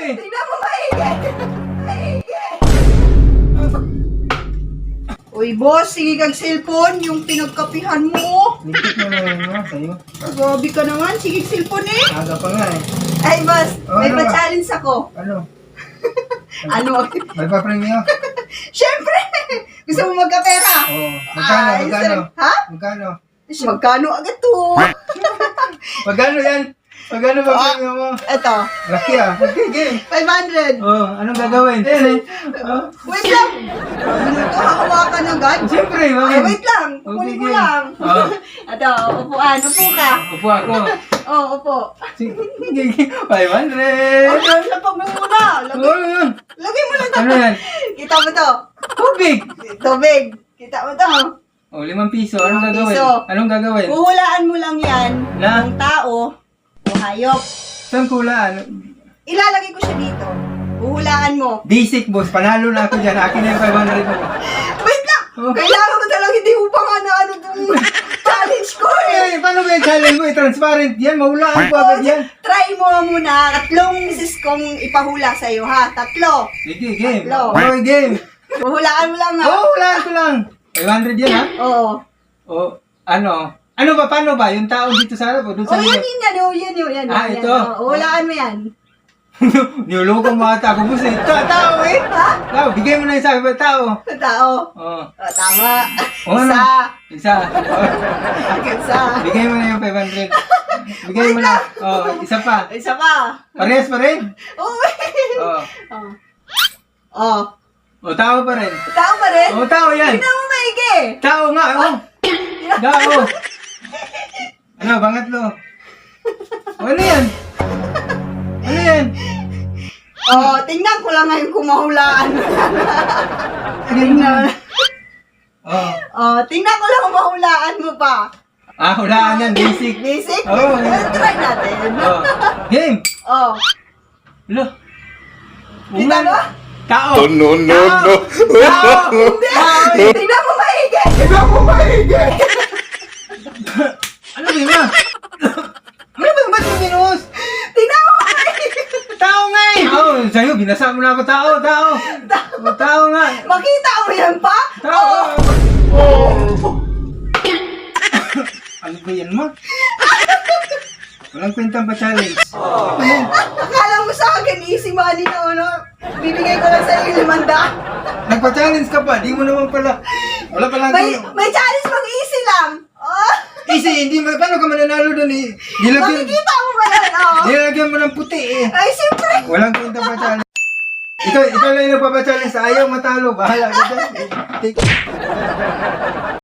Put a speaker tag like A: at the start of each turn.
A: eh.
B: Tingnan mo maigi. Maigi. Uy, boss, sige kag cellphone, yung pinagkapihan mo.
A: Lintik mo na yun, no? Sa'yo.
B: Grabe ka naman, sige cellphone eh.
A: Aga pa nga eh.
B: Ay, boss, may
A: Ano ba?
B: pa-challenge ako.
A: Ano?
B: Ano?
A: May pa-premyo?
B: Siyempre! Gusto mo magkapera?
A: Oo. Magkano?
B: Ay,
A: Magkano?
B: Ha?
A: Magkano?
B: Magkano agad to?
A: Magkano yan? Magkano ba premyo mo?
B: Eto,
A: Laki ah. Okay, game.
B: 500.
A: Oh, anong gagawin? Yan eh. Oh.
B: Wait lang! Ito, hahawakan agad.
A: Siyempre,
B: Ay,
A: bakit?
B: wait lang. Kukunin ko
A: Okay,
B: lang.
A: Oh.
B: Ito, upuan. Upo ka.
A: Upo ako.
B: Oh, upo.
A: Sige, 500.
B: Ano sa pagmumula?
A: Oh, yun.
B: Lagay mo lang to.
A: Ano yan?
B: Kita mo to.
A: Tubig.
B: Tubig. Kita mo to.
A: Oh, 5 piso. Anong
B: 5
A: gagawin?
B: piso.
A: Anong gagawin?
B: Huhulaan mo lang yan
A: Na?
B: ng tao o hayop.
A: Saan kulaan?
B: Ilalagay ko siya dito. Huhulaan mo.
A: Basic boss, panalo na ako dyan. Akin na yung 500 mo.
B: Wait lang!
A: Oh.
B: Kailangan ko talaga hindi mo pa nga na ano itong challenge ko eh.
A: Eh, paano ba yung challenge mo? Transparent yan, mahulaan ko agad yan.
B: Try mo muna. 3 sis kong ipahula sa'yo ha. 3.
A: Sige, game.
B: Tatlo.
A: Okay, game.
B: Huhulaan mo lang ha.
A: Oo, hulaan ko lang. 500 yan ha?
B: Oo.
A: O, ano? Ano ba, paano ba? Yung tao dito sa harap o doon
B: Oh,
A: sa
B: yan,
A: likod?
B: yan.
A: Ah,
B: yan.
A: ito.
B: Oh, huhulaan mo yan.
A: Niloloko mo ata ako boss eh. Tao eh.
B: Ha?
A: Tao, bigay mo na yung sabi ba tao?
B: Tao.
A: Oo.
B: Oh, tama.
A: Oo
B: Isa.
A: na. Isa. Oh.
B: Isa.
A: Bigay mo na yung 500. Bigay mo na. Oh, isa pa.
B: Isa pa.
A: Parehas pa rin?
B: Oh.
A: Oo.
B: Oh. Oh.
A: O, tao pa rin.
B: Tao pa rin?
A: O, tao yan.
B: Tingnan mo maigi.
A: Tao nga, oh. Tao. Ano, bangatlo. O, ano yan? Ano yan?
B: Oh, tingnan ko lang ngayon kung mahulaan. Tingnan.
A: Oh.
B: Oh, tingnan ko lang kung mahulaan mo pa.
A: Ah, hulaan yan, basic.
B: Basic?
A: Oo.
B: Try natin.
A: Oh. Game.
B: Oh.
A: Lo.
B: Kita mo?
A: Tao.
C: No, no,
A: Tao.
C: no.
A: Tao.
B: Hindi.
A: Tao.
B: Tingnan mo maigi.
A: Tignan mo maigi. Ano ba yun? Ano ba yung ba't yung minus?
B: Tingnan mo maigi.
A: Tao nga eh! Oo, sa'yo, binasa mo na ako. Tao, tao! Tao nga!
B: Makita mo yan pa?
A: Tao!
B: Oh.
A: Ano ba yan mo? Walang kwentang pa challenge.
B: Akala mo sa akin, easy money na ano? Bibigay ko lang sa iyo 500.
A: Nagpa-challenge ka pa, di mo naman pala. Wala pa lang.
B: May challenge pag easy lang. Oh.
A: Easy, hindi mo, paano ka mananalo doon eh?
B: Makikita mo ba yan? Oh.
A: Nilagyan mo ng puti eh.
B: Ay, siyempre.
A: Walang kwentang pa challenge. Ikaw lang yung nagpapa-challenge. Ayaw matalo. Bahala ka dyan. Take